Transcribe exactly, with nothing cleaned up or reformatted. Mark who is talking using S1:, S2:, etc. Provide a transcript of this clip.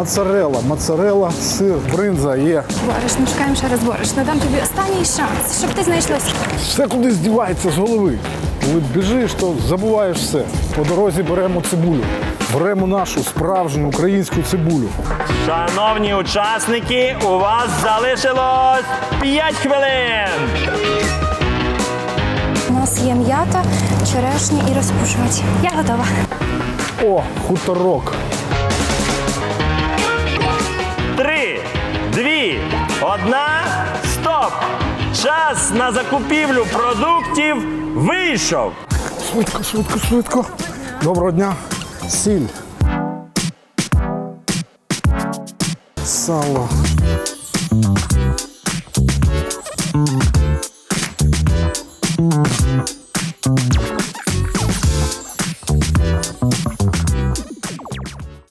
S1: Моцарелла, моцарелла, сир, бринза є.
S2: Борошно, шукаємо ще раз борошно. Дам тобі останній шанс, щоб ти знайшлося.
S1: Все кудись дівається з голови. Коли біжиш, то забуваєш все. По дорозі беремо цибулю. Беремо нашу справжню українську цибулю.
S3: Шановні учасники, у вас залишилось п'ять хвилин.
S2: У нас є м'ята, черешні і розпушувач. Я готова.
S1: О, хуторок.
S3: Три, дві, одна, стоп! Час на закупівлю продуктів вийшов.
S1: Швидко, швидко, швидко. Доброго дня. Сіль. Сало.